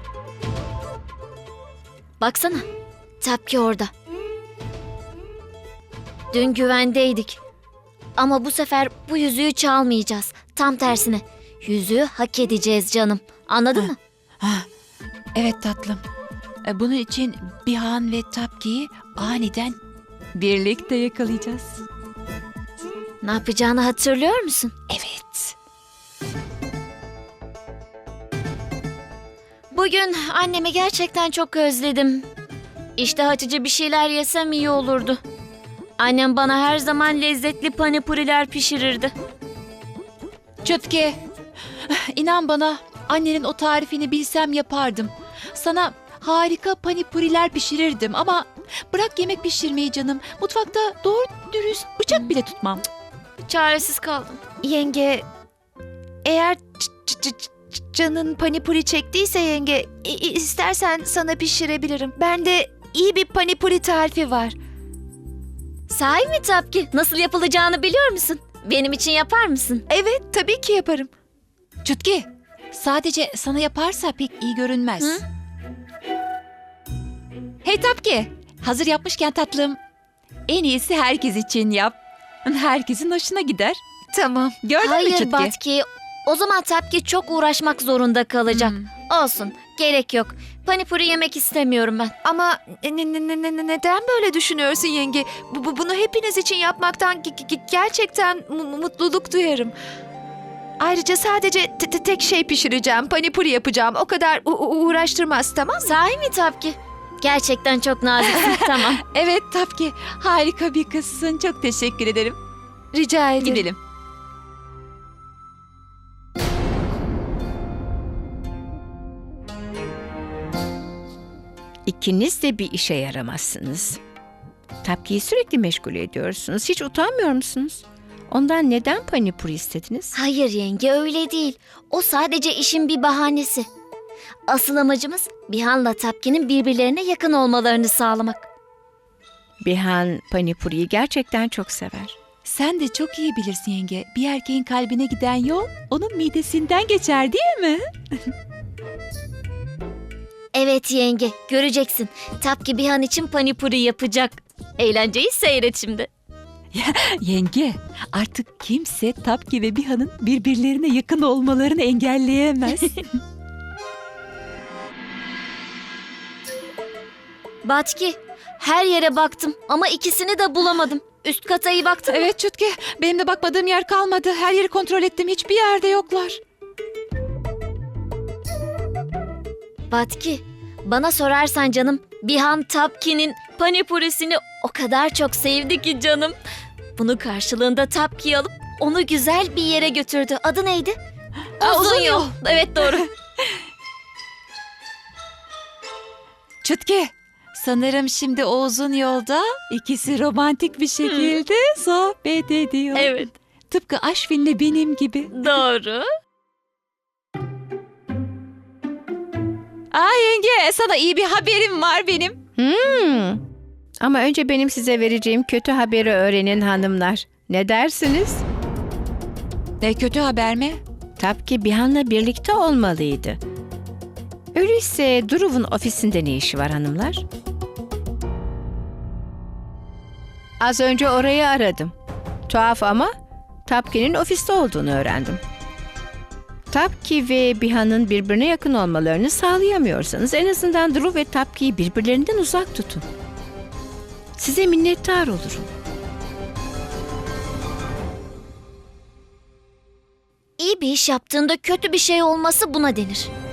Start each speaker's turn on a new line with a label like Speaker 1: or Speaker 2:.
Speaker 1: Baksana, Tapki orada. Dün güvendeydik. Ama bu sefer bu yüzüğü çalmayacağız. Tam tersine. Yüzüğü hak edeceğiz canım. Anladın mı?
Speaker 2: Evet tatlım. Bunun için Bihan ve Tapki'yi aniden birlikte yakalayacağız.
Speaker 1: Ne yapacağını hatırlıyor musun?
Speaker 2: Evet.
Speaker 1: Bugün annemi gerçekten çok özledim. İştah açıcı bir şeyler yesem iyi olurdu. Annem bana her zaman lezzetli panipuriler pişirirdi.
Speaker 2: Çutki, inan bana annenin o tarifini bilsem yapardım. Sana harika panipuriler pişirirdim ama bırak yemek pişirmeyi canım. Mutfakta doğru dürüst bıçak bile tutmam.
Speaker 1: Çaresiz kaldım.
Speaker 3: Yenge, eğer canın panipuri çektiyse yenge, istersen sana pişirebilirim. Bende iyi bir panipuri tarifi var.
Speaker 1: Sahi mi Tapki? Nasıl yapılacağını biliyor musun? Benim için yapar mısın?
Speaker 3: Evet, tabii ki yaparım.
Speaker 2: Çutki, sadece sana yaparsa pek iyi görünmez.
Speaker 1: Hı?
Speaker 2: Hey Tapki, hazır yapmışken tatlım, en iyisi herkes için yap. Herkesin hoşuna gider.
Speaker 3: Tamam.
Speaker 2: Gördün mü
Speaker 1: Hayır
Speaker 2: Çutki?
Speaker 1: Batki. O zaman Tapki çok uğraşmak zorunda kalacak. Olsun. Gerek yok. Panipuri yemek istemiyorum ben.
Speaker 3: Ama neden böyle düşünüyorsun yenge? Bunu hepiniz için yapmaktan gerçekten mutluluk duyarım. Ayrıca sadece tek şey pişireceğim, panipuri yapacağım. O kadar uğraştırmaz, tamam mı?
Speaker 1: Sahi mi Tapki? Gerçekten çok naziksin. Tamam.
Speaker 2: Evet Tapki, harika bir kızsın. Çok teşekkür ederim.
Speaker 3: Rica ederim.
Speaker 2: Gidelim.
Speaker 4: İkiniz de bir işe yaramazsınız. Tapki'yi sürekli meşgul ediyorsunuz. Hiç utanmıyor musunuz? Ondan neden panipuri istediniz?
Speaker 1: Hayır yenge öyle değil. O sadece işin bir bahanesi. Asıl amacımız Bihan'la Tapki'nin birbirlerine yakın olmalarını sağlamak.
Speaker 4: Bihan panipuriyi gerçekten çok sever.
Speaker 2: Sen de çok iyi bilirsin yenge. Bir erkeğin kalbine giden yol onun midesinden geçer değil mi?
Speaker 1: Evet yenge, göreceksin. Tapki Bihan için panipuri yapacak. Eğlenceyi seyret şimdi.
Speaker 2: Yenge, artık kimse Tapki ve Bihan'ın birbirlerine yakın olmalarını engelleyemez.
Speaker 1: Batki, her yere baktım ama ikisini de bulamadım. Üst kata iyi baktım.
Speaker 2: Evet Çutki, benim de bakmadığım yer kalmadı. Her yeri kontrol ettim, hiçbir yerde yoklar.
Speaker 1: Batki, bana sorarsan canım, Bihan Tapki'nin panipurisini o kadar çok sevdi ki canım. Bunu karşılığında Tapki'yi alıp onu güzel bir yere götürdü. Adı neydi? Uzun yol. Evet doğru.
Speaker 2: Çutki, sanırım şimdi o uzun yolda ikisi romantik bir şekilde sohbet ediyor.
Speaker 1: Evet.
Speaker 2: Tıpkı Aşvin'le benim gibi.
Speaker 1: Doğru.
Speaker 2: Yenge, sana iyi bir haberim var benim.
Speaker 4: Ama önce benim size vereceğim kötü haberi öğrenin hanımlar. Ne dersiniz?
Speaker 2: Ne kötü haber mi?
Speaker 4: Tapki Bihan'la birlikte olmalıydı. Öyleyse Duruv'un ofisinde ne işi var hanımlar? Az önce orayı aradım. Tuhaf ama Tapki'nin ofiste olduğunu öğrendim. Tapki ve Bihan'ın birbirine yakın olmalarını sağlayamıyorsanız en azından Duruv ve Tapki'yi birbirlerinden uzak tutun. Size minnettar olurum.
Speaker 1: İyi bir iş yaptığında kötü bir şey olması buna denir.